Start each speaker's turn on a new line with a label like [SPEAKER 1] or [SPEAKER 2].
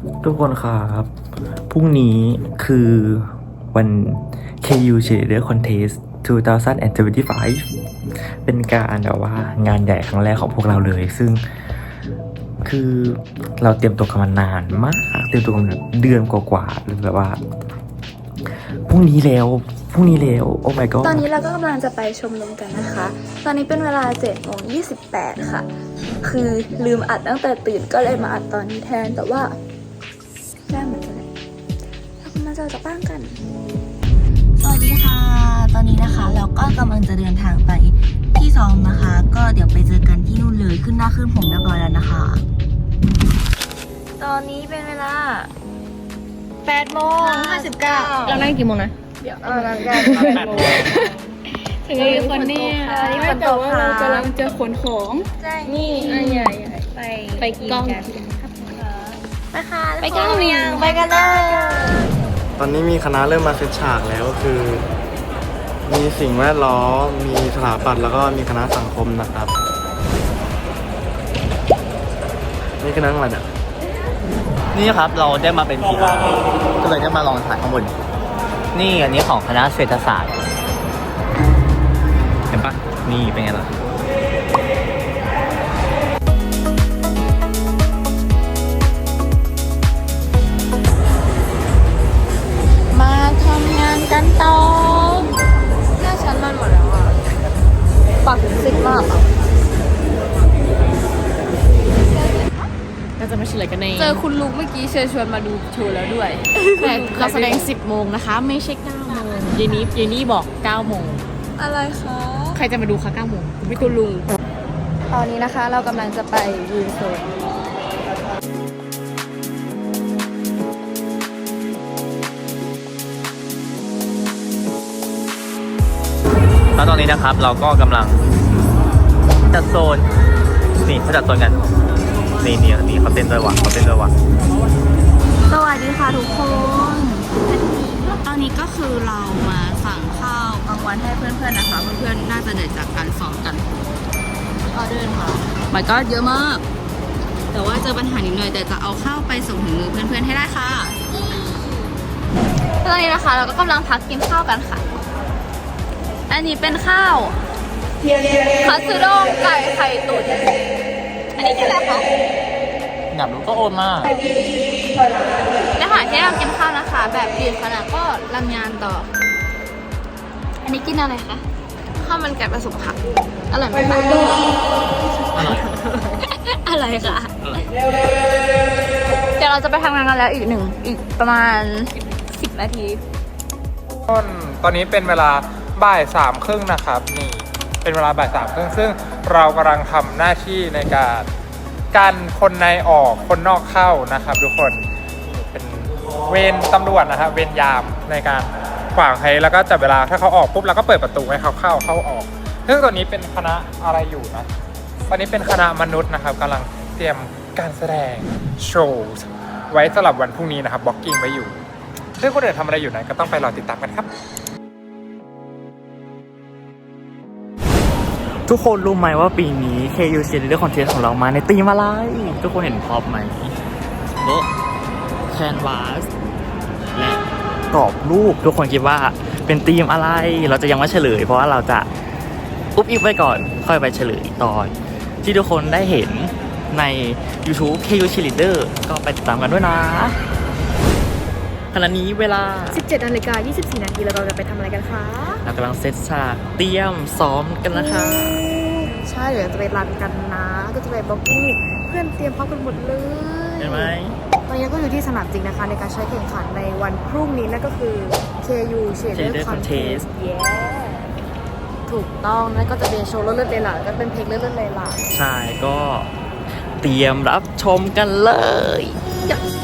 [SPEAKER 1] ทุกคนครับพรุ่งนี้คือวัน KU Cheerleader Contest 2025 เป็นการแบบว่างานใหญ่ครั้งแรกของพวกเราเลย ซึ่งคือเราเตรียมตัวกันมานานมากเตรียมตัวกันแบบเดือนกว่าๆเลยแบบว่าพรุ่งนี้แล้วโอ้ my god
[SPEAKER 2] ตอนนี้เราก็กำลังจะไปชมรมกันนะคะ ตอนนี้เป็นเวลา7:28 ค่ะ คือลืมอัดตั้งแต่ตื่นก็เลยมาอัดตอนนี้แทน แต่ว่าแจ้งเหมือนกันเลยเรากำลังจะออกจากบ้านกัน
[SPEAKER 3] สวัสดีค่ะ ตอนนี้นะคะเราก็กำลังจะเดินทางไปที่ซ้อมนะคะ ก็เดี๋ยวไปเจอกันที่นู่นเลยขึ้นหน้าขึ้นผมเรียบร้อยแล้วนะคะ ตอนนี้เป็นเวลา8:59เรานั่งกี่โมงนะเดี๋ยวนั่งกัน8 โมงถึงกี่คนเนี่ยนี่ฝนตกค่ะเรากำลังจะขนของนี่ใหญ่ไปกล้องไปค่ะไปกล้องเมียงไปกันเลย
[SPEAKER 4] ตอนนี้มีคณะเริ่มมาเซตฉากแล้วก็คือ มีสิ่งแวดล้อมมีสถาปัตย์แล้วก็มีคณะสังคมนะครับนี่คณะอะไรเนี่ย
[SPEAKER 5] นี่ครับเราได้มาเป็นพีอาร์ก็เลยได้มาลองถ่ายข้างบนนี่อันนี้ของคณะเศรษฐศาสตร์เห็นปะนี่เป็นไงล่ะ
[SPEAKER 3] มาทำงานกันต่อหน้าชั้นมันหมดแล้วอ่ะปักซิกมากอ่ะ
[SPEAKER 6] ก็จะมาเฉลยกันใน
[SPEAKER 2] เจอคุณลุงเมื่อกี้เชิญชวนมาดูโชว์แล้วด้วย
[SPEAKER 6] แต่เราแสดง 10 โมงนะคะ ไม่ใช่ 9 โมงเยนี่บอก 9 โมง
[SPEAKER 2] อะไรคะ
[SPEAKER 6] ใครจะมาดูคะ 9 โมง
[SPEAKER 2] ไม่คุณลุง ตอนนี้นะคะเรากำลังจะไปยืนโซน
[SPEAKER 5] แล้วตอนนี้นะครับเราก็กำลังจัดโซนนี่เขาจัดโซนกันนี่เขาเต้นด้วยว่ะ
[SPEAKER 3] สวัสดีค่ะทุกคน ตอนนี้ก็คือเรามาสั่งข้าวกลางวันให้เพื่อนๆนะคะ เพื่อนๆน่าจะเดินจากการซ้อมกันออเดอร์ค่ะมันก็เยอะมาก แต่ว่าเจอปัญหานิดหน่อยแต่จะเอาข้าวไปส่งถึงมือเพื่อนๆให้ได้ค่ะ
[SPEAKER 2] ตอนนี้นะคะเราก็กำลังพักกินข้าวกันค่ะ อันนี้เป็นข้าวคัตสึด้งไก่ไข่ตุ๋นอันนี้กินอะไรคะ
[SPEAKER 5] อยากรู้ก็โอนมา
[SPEAKER 2] ในขณะที่เรากินข้าวนะคะ แบบดื่มขนาดก็รำยานต่อ อันนี้กินอะไรคะข้าวมันไก่ผสมผักอร่อยไหมคะ
[SPEAKER 5] อร่อย
[SPEAKER 2] อะไรคะเดี๋ยวเราจะไปทำงานกันแล้วอีกประมาณ10 นาที
[SPEAKER 7] ตอนนี้เป็นเวลาบ่าย3:30นะครับนี่เป็นเวลาบ่าย3:30ซึ่งเรากำลังทำหน้าที่ในการกันคนในออกคนนอกเข้านะครับทุกคนเป็นเวรตำรวจนะครับเวรยามในการขวางให้แล้วก็จับเวลาถ้าเขาออกปุ๊บเราก็เปิดประตูให้เขาเข้าออกซึ่งตอนนี้เป็นคณะอะไรอยู่นะตอนนี้เป็นคณะมนุษย์นะครับกำลังเตรียมการแสดงโชว์ไว้สำหรับวันพรุ่งนี้นะครับบล็อกกิ้งไว้อยู่ซึ่งคนอื่นทำอะไรอยู่นั้นก็ต้องไปรอติดตามกันครับ
[SPEAKER 1] ทุกคนรู้ไหมว่าปีนี้ KU Cheerleader Contest ของเรามาในธีมอะไร ทุกคนเห็นพร็อพไหมโต๊ะแคนวาสและกรอบรูปทุกคนคิดว่าเป็นธีมอะไรเราจะยังไม่เฉลยเพราะว่าเราจะอุ๊บอิ๊บไว้ก่อนค่อยไปเฉลยตอนที่ทุกคนได้เห็นใน YouTube KU Cheerleader ก็ไปติดตามกันด้วยนะขณะนี้เวลา
[SPEAKER 6] 17:24 นาทีแล้วเราจะไปทำอะไรกันคะ
[SPEAKER 1] เรากำลังเซตฉากเตรียมซ้อมกันนะคะ
[SPEAKER 6] ใช่เดี๋ยวจะไปรันกันนะ ก็จะไปบล็อกกิ้งเพื่อนเตรียมพร้อมกันหมดเลย
[SPEAKER 1] เห็นไหม
[SPEAKER 6] ตอนนี้ก็อยู่ที่สนามจริงนะคะในการใช้แข่งขันในวันพรุ่งนี้นั่นก็คือ KU Cheerleader Contest ถูกต้องนั่นก็จะเป็นโชว์เลื่อนๆเลยล่ะก็เป็นเพลงเลื่อนๆเลยล่ะ
[SPEAKER 1] ใช่ก็เตรียมรับชมกันเลย
[SPEAKER 6] Yeah.